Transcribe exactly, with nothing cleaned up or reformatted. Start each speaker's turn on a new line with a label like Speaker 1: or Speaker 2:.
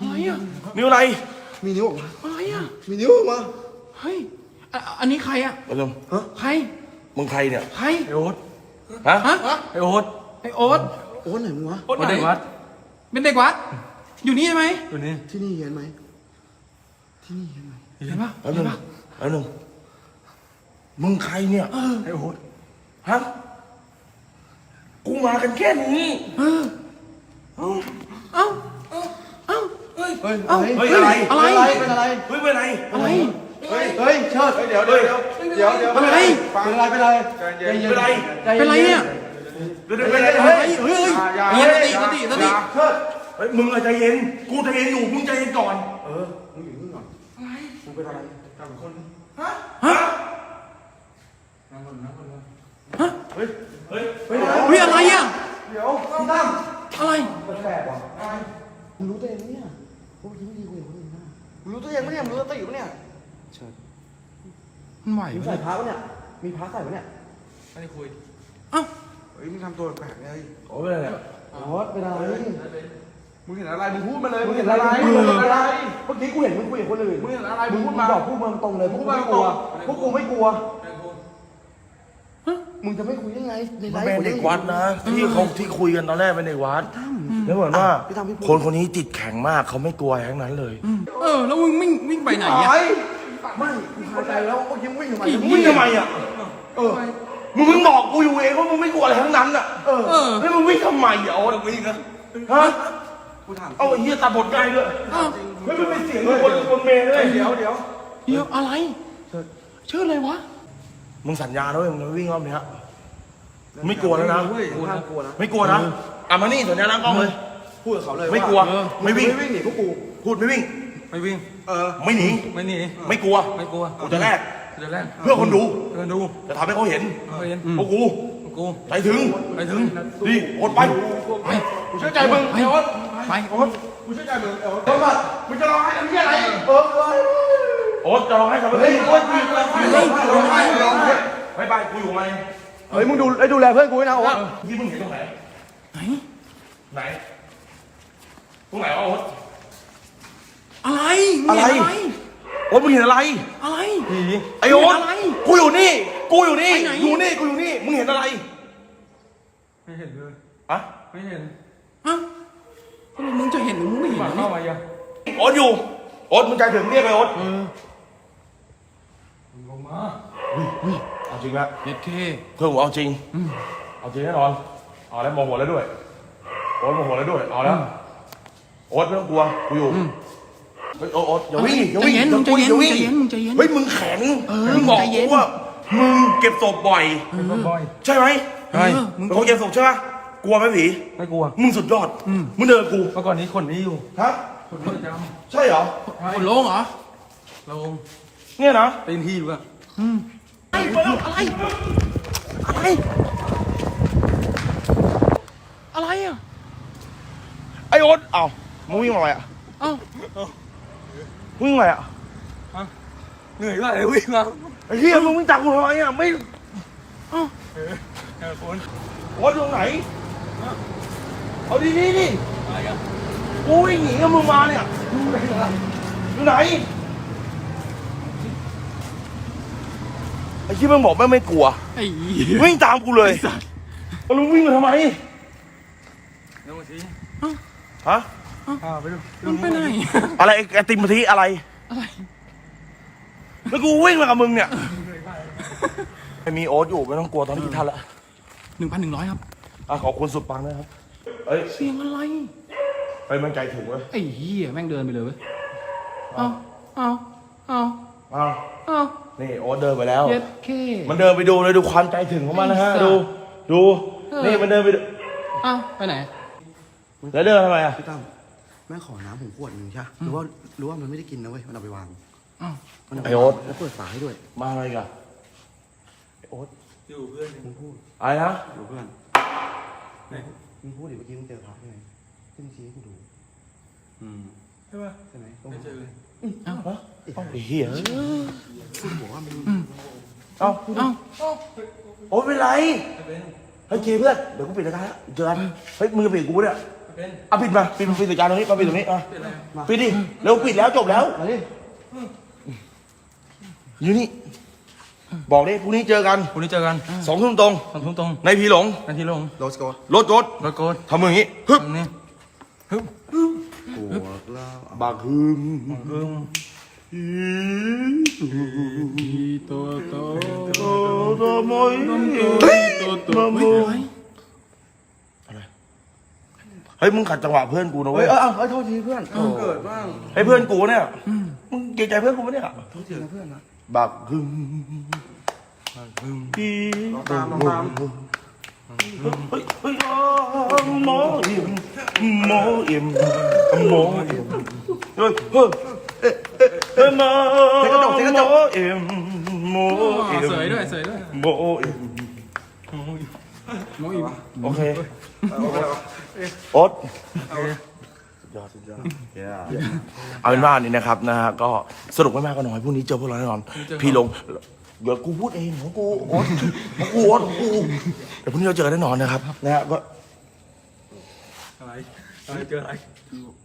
Speaker 1: อะไรอ่ะ
Speaker 2: นิ้วอะไร
Speaker 3: มีนิ้วออกมา
Speaker 1: อะไรอ่ะ
Speaker 3: มีนิ้วออกมา
Speaker 1: เฮ้ยอ่ะอันนี้ใครอ่ะ
Speaker 2: ไปลง
Speaker 3: ฮะ
Speaker 1: ใคร
Speaker 2: มึงใครเนี่ย
Speaker 1: ใคร
Speaker 4: ไอโอ๊ต
Speaker 2: ฮะ
Speaker 1: ฮะ
Speaker 4: ไอโอ๊ต
Speaker 1: ไอโอ๊ต
Speaker 3: โอ้ไหนมึงวะ
Speaker 1: โอ๊ต
Speaker 4: มา
Speaker 1: ไหน
Speaker 4: เด็กวัด
Speaker 1: เป็นเด็กวัดอยู่นี่ใช่ไหม
Speaker 4: ตัวนี้
Speaker 3: ที่นี่เห็นไหมที่นี่เห็นไหม
Speaker 1: เห็นปะ
Speaker 2: แป๊บ
Speaker 1: เห็
Speaker 2: นึ
Speaker 1: น
Speaker 2: ง
Speaker 1: ปะ
Speaker 2: แป๊บนึงมึงใครเนี่ย
Speaker 4: ไอโอ๊ต
Speaker 2: ฮะกูมากันแค่นี้
Speaker 1: เออเอ้าเอ้าเอ้า
Speaker 3: เฮ้ย
Speaker 1: เอ้า
Speaker 2: เฮ้ยอะไร
Speaker 1: อะไร
Speaker 3: เป็นอะไร
Speaker 2: เฮ้ยเป็นไร
Speaker 1: อะไร
Speaker 3: เฮ้ยเฮ้ยเชิดเดี๋ยวเดี๋ยวเดี๋ยวเดี๋ยว
Speaker 1: อะไร
Speaker 3: เป็นอะไรเป็นอะไร
Speaker 2: เป็นไร
Speaker 1: เป็นไรเนี่ย
Speaker 2: เดี๋ยวเดี๋ยวเป็นไร
Speaker 1: เฮ้
Speaker 2: เฮ้
Speaker 1: ย
Speaker 2: ย
Speaker 1: เฮ้ยเฮ้ยสติสติสติ
Speaker 3: เชิด
Speaker 2: เฮ้ยมึงอะใจเย็นกูใจเย็นอยู่มึงใจเย็นก่อน
Speaker 3: เออมึงอยู่นี่ก่อนมึงเป็นอะไรกับคน
Speaker 2: ฮะ
Speaker 1: ฮะ
Speaker 2: เฮ้ยเฮ้ย
Speaker 3: เฮ้ย
Speaker 1: เฮ้ยอะไรอ่ะ
Speaker 3: เดี๋ยวพี่ตั้ม
Speaker 1: อะไร
Speaker 3: แปลกว่ะมึงรู้ตัวเองไหมเนี่ยว่ามึงไม่ดีกว่าคนอื่นนะมึงรู้ตัวเองไหมเนี่ยมึงรู้ตัวเองไหมเนี่ยเชิด
Speaker 1: มันไหว
Speaker 3: มึง
Speaker 1: ไหม
Speaker 3: ใส่พระปะเนี่ยมีพระใส่ปะเนี่ย
Speaker 4: ไม่ได้คุย
Speaker 1: เอ้า
Speaker 3: เฮ้ยมึงทำตัวแปลกเลย
Speaker 2: โอ้ยเป็นไรเนี่ย
Speaker 3: โอ๊ตเป็นอะไร
Speaker 5: มึงเห็นอะไร มึงพูดมาเลย
Speaker 3: มึงเห็นอะไร
Speaker 5: มึงเห็นอะไร
Speaker 3: เมื่อกี้กูเห็นมึงคุยกับคนอื่น
Speaker 5: มึงเห็นอะไร มึ
Speaker 3: มึ
Speaker 5: ง
Speaker 3: ง
Speaker 5: พูดมา
Speaker 3: บอกพูดมาตรงเลยพวกกูไม่กลัวพวกกูไม่กลัว มึงจะไม่คุยได้ไงในไล
Speaker 2: มัน
Speaker 3: ฟ์
Speaker 2: เป็นเด็กวัดนะที่เขาที่คุยกันตอนแรกเป็นเด็กวัดแล้วเหมือนว่า
Speaker 3: พี่ทำพี่พูด
Speaker 2: คนคนนี้จิตแข็งมากเขาไม่กลัวอะไรทั้งนั้นเลย
Speaker 1: เออแล้วมึงวิ่งวิ่งไปไหนอ่ะ
Speaker 3: ไอ้ไม่กูคาใจแล้วเมื่อกี้มึงวิ่งทำไม
Speaker 2: มึงทำไมอ่ะ
Speaker 3: เออ
Speaker 2: มึงเพิ่งบอกกูอยู่เองว่ามึงไม่กลัวอะไรทั้งนั้นอ่ะ
Speaker 3: เออ
Speaker 1: เออ
Speaker 2: แล้วมึงวิ่งทำไมอ่ะโอ๊ตวิ่งนะฮะ
Speaker 3: กูถาม
Speaker 2: เอาไอ้เหี้ยตัดบทง่ายด้วย
Speaker 1: เอ้า
Speaker 2: เฮ้ยมันเป็นเสียงคนคนเมย์เลย
Speaker 3: เดี๋ยวเดี๋ยว
Speaker 1: เดี๋ยวอะไรชื่ออะไรวะ
Speaker 2: มึงสัญญาด้วยมึงจะวิ่งรอบเนี้ยไม่กลัวแล้วนะ
Speaker 3: เฮ้ยห้ามกลัวนะ
Speaker 2: ไม่กลัวนะอ่ะมานี่สัญญาหน้ากล้องเลย
Speaker 3: พูดกับเขาเลย
Speaker 2: ไม่กลัว
Speaker 3: า
Speaker 2: ไม่วิ่ง
Speaker 3: ไม่วิ่งหนีพวกกู
Speaker 2: พูดไม่วิ่ง
Speaker 4: ไม่วิ่ง
Speaker 3: เออ
Speaker 2: ไม่หนี
Speaker 4: ไม่หนี
Speaker 2: ไม่กลัว
Speaker 4: ไม่กลัว
Speaker 2: กูจะแลก
Speaker 4: เดี๋ยวแรก
Speaker 2: เพื่อคนดู
Speaker 4: เดินดู
Speaker 2: จะทำให้เขาเห็น
Speaker 4: เขาเห็น
Speaker 2: พวกกู
Speaker 4: กู
Speaker 2: ใจถึง
Speaker 4: ไปถึง
Speaker 2: นี่โอ๊ตไป
Speaker 1: ไป
Speaker 3: กูเชื่อใจมึง
Speaker 1: ไป
Speaker 3: ไอ้โอ๊ต
Speaker 1: ไป
Speaker 3: โอ๊ตกูเชื่อใจมึงไอ้โอ๊ตโอ๊ตมามึงจะร้องไห้ทำเหี้ยอะไรเออเออ
Speaker 2: โอ๊ตจะร้องให้ทำไม
Speaker 3: เฮ้ยโอ๊ตมึงร้องไห้ร้องไห้ร้องไห้ร้องไห้
Speaker 2: ไม่ไปกูอยู่มาเอง
Speaker 3: เฮ้ยมึงดูไอ้ดูแลเพื่อนกูด้วยนะโอ๊ต
Speaker 2: ยี่มึงเห็นตรงไหน
Speaker 1: ไหน
Speaker 2: ไหนตรงไหนวะโอ๊ต
Speaker 1: อะไรมึงเห็นอะไร
Speaker 2: โอ๊ตมึงเห็นอะไร
Speaker 1: อะไร
Speaker 2: ไอโอ๊ต
Speaker 1: อะไร
Speaker 2: กูอยู่นี่ กูอยู่นี่
Speaker 1: ไปไหน
Speaker 2: อยู่นี่ กูอยู่นี่ มึงเห็นอะไร
Speaker 4: ไม่เห็นเลย
Speaker 2: อะ
Speaker 4: ไม่เห็น
Speaker 1: เอ้าทำไมมึงจะเห็นหรือมึงไม่เห็น
Speaker 4: หมา
Speaker 1: นะ
Speaker 4: เข้ามายัง
Speaker 2: โอ๊ตอยู่ โอ๊ตมึงใจถึงเรียกไปโอ๊ต
Speaker 4: ลงมา
Speaker 2: เอาจริงละ
Speaker 1: เด็ดเค
Speaker 2: เพื่อนผมเอาจริง เอาจริงแน่นอน เอาแล้วโมโหแล้วด้วย โอ๊ตโมโหแล้วด้วย เอาแล้ว โอ๊ตไม่ต้องกลัว กูอยู่ เฮ้ยโอ๊ตโอ๊ตอย่าวิ่งอย่า
Speaker 1: ใจ
Speaker 2: วิ่ง
Speaker 1: เย็น
Speaker 2: อย่า
Speaker 1: มึงใจ
Speaker 2: วิ่ง
Speaker 1: เย็น
Speaker 2: อย่า
Speaker 1: มึง
Speaker 2: วิ่
Speaker 1: ใจ
Speaker 2: ง
Speaker 1: เย็นมึงใจเย็น
Speaker 2: เฮ้ยมึงแข็ง
Speaker 1: เออ
Speaker 2: มึงบอก
Speaker 1: ใจเย็น
Speaker 2: กูว่ามึงเก็บศพบ่อย
Speaker 4: เป็นบอย
Speaker 2: ใช่ไหม
Speaker 4: ใช่
Speaker 1: เออมึง
Speaker 2: เป็นคนเก็บศพใช่ไหมกลัวไหมผี
Speaker 4: ไม่กลัว
Speaker 2: มึงสุดยอด มึงเดินกับกู
Speaker 4: เมื่อก่อนนี้คนนี้อยู่
Speaker 2: ฮะ
Speaker 4: คนนี้ประจ
Speaker 2: ใช่เหรอ
Speaker 1: คนโล่งเหรอ
Speaker 4: ำลง
Speaker 2: เนี่ยนะ
Speaker 4: เป็นที่อยู่อะ
Speaker 1: อะไรอะไรอะไรอะไรอ่ะ
Speaker 2: ไอโอ๊ตเอ้ามึงวิ่งมาอะไรอ่ะ
Speaker 1: เอ้า
Speaker 2: วิ่งมาอ่ะ
Speaker 4: เหนื่อยมากเลยวิ่งมา
Speaker 2: ไอ้เหี้ยมึงวิ่งจากกูทำไมอ่ะไม่
Speaker 1: เอ้า
Speaker 4: เออคน
Speaker 2: โอ๊ตอยู่ตรงไหนเอาดีดีดิ
Speaker 4: อะไรอะ
Speaker 2: กูวิ่งหนีกับมึงมาเนี่ยอยู่ไหนไอ้ที่มึงบอกแม่งไม่กลัว
Speaker 1: ไอ้
Speaker 2: วิ่งตามกูเลยแล้วมึงวิ่งมาทำไม
Speaker 4: เดี๋ยวมาสิ
Speaker 2: ฮะ
Speaker 4: อ่าไปดู
Speaker 1: มันไปไหน
Speaker 2: อะไรไอ้ไอติมพะทิอะไร
Speaker 1: อะไร
Speaker 2: แล้วกูวิ่งมากับมึงเนี่ยไม่มีโอ๊ตอยู่ไม่ต้องกลัวตอนนี้กี่ท่านละ
Speaker 1: หนึ่งพันหนึ่งร้อยครับ
Speaker 2: อ่ะขอบคุณสุดปังนะครับเอ้ย
Speaker 1: เสียงอะไร
Speaker 2: ไปมันใจถึงเว้ย
Speaker 1: ไอ้เหี้ยแม่งเดินไปเลยเว้ย เอาเอาเอา
Speaker 2: อ้าว
Speaker 1: เอา
Speaker 2: นี่โอ๊ตเดินไปแล้ว
Speaker 1: เย็ดเค
Speaker 2: มันเดินไปดูเลยดูความใจถึงของมันนะฮะ
Speaker 1: ไอ้สัส
Speaker 2: ดูดู
Speaker 1: เออ
Speaker 2: นี่มันเดินไปดู
Speaker 1: เอาไปไหน
Speaker 2: แล้วเดินทำไมอ่ะ
Speaker 3: พี่ตั้มแม่ขอน้ำผมขวดหนึ่งใช่หรือว่าหรือว่ามันไม่ได้กินนะเว้ยมันเอาไปวาง
Speaker 1: เอา
Speaker 3: มันเาป
Speaker 2: ไอ้โอ๊ต
Speaker 3: แล้วเปิดฝาให้ด้วย
Speaker 2: มาอะไรกันโอ๊ต
Speaker 4: อยู่เพื่อน
Speaker 3: มึงพูด
Speaker 2: อะไรนะ
Speaker 3: อยู่เพื่อน
Speaker 4: ไหน
Speaker 3: มึงพูดดิเมื่อกี้มึงเจอพระใช่ไหมที่มึงชี้ให้กูดู
Speaker 4: ใช่ป่ะ
Speaker 3: ใช่ไหมตรง
Speaker 4: ไม่
Speaker 3: นั้น
Speaker 4: เจอเลย
Speaker 1: เอา
Speaker 2: เอ้าไอ้เหี้ย
Speaker 3: พูดบอกว่ามึง
Speaker 2: เอ้า
Speaker 1: เอา
Speaker 2: โอ๊ตเป็นไร
Speaker 4: ไม่เป็น
Speaker 2: เฮ้ยเคเพื่อนเดี๋ยวกูปิดรายการแล้วเจอกันเฮ้ยมึงจะปิดกูเนี่ย
Speaker 4: โอเป็น
Speaker 2: เอาปิดมาปิดมาปิดสัญญาณตรงนี้มาปิดตรงนี้อ่ะ
Speaker 4: เป็นอะไร
Speaker 2: ปิดดิเร็วปิดแล้วจบแล้ว
Speaker 3: มาดิ
Speaker 2: อยู่นี่บอกดิพรุ่งนี้เจอกัน
Speaker 4: พรุ่งนี้เจอกัน
Speaker 2: สองทุ่มตรง
Speaker 4: สองทุ่มตรง
Speaker 2: ในพีหลง
Speaker 4: นาทีลง
Speaker 3: โรสโก
Speaker 2: รถรถ
Speaker 4: รถโกด
Speaker 2: ทำมืออย่างนี้ฮึบ
Speaker 4: ตรงนี้ฮึบ
Speaker 2: บักฮึม
Speaker 4: ฮึบ
Speaker 1: โตโต
Speaker 2: โอ้โตมอย
Speaker 1: โตโต
Speaker 2: มาโมอะไรเฮ้ยมึงขัดจังหวะเพื่อนกูนะ
Speaker 3: เฮ้
Speaker 2: เว้
Speaker 3: ย
Speaker 2: ย
Speaker 3: เออเอาเอาโทษทีเพื่อน
Speaker 5: เกิดบ้าง
Speaker 2: ไอ้เพื่อนกูเนี่ยมึงเกรงใจเพื่อนกูปะเนี่ย
Speaker 3: โทษทีนะเพื่อนนะ
Speaker 2: บักฮึม
Speaker 4: ฮึบ
Speaker 2: พี่
Speaker 5: ลองตามลองตาม
Speaker 2: เฮ้ยเฮ้ยหมอเอ็มหมอเอ็มหมอเอ็มเฮ้ยเฮ้ยเฮ้ยมาหมอเอ็มหมอเอ็ม
Speaker 1: สวยด้วยสวยด้วย
Speaker 2: หมอเอ็ม
Speaker 1: โมอีก
Speaker 2: โอเค
Speaker 5: เอาไปแล้ว
Speaker 2: โอ๊ตยอดสุดยอดเอาเป็นว่านี่นะครับนะฮะก็สรุปไม่มากก็น้อยพรุ่งนี้เจอพวกเราแน่นอนพี่ลงเดี๋ยวกูพูดเองของกูโอ๊ตของกูโอ๊ตของกูเดี๋ยวพรุ่งนี้เราเจอกันแน่นอนนะครับนะฮะก็
Speaker 4: อะไรอะไรเจออะไร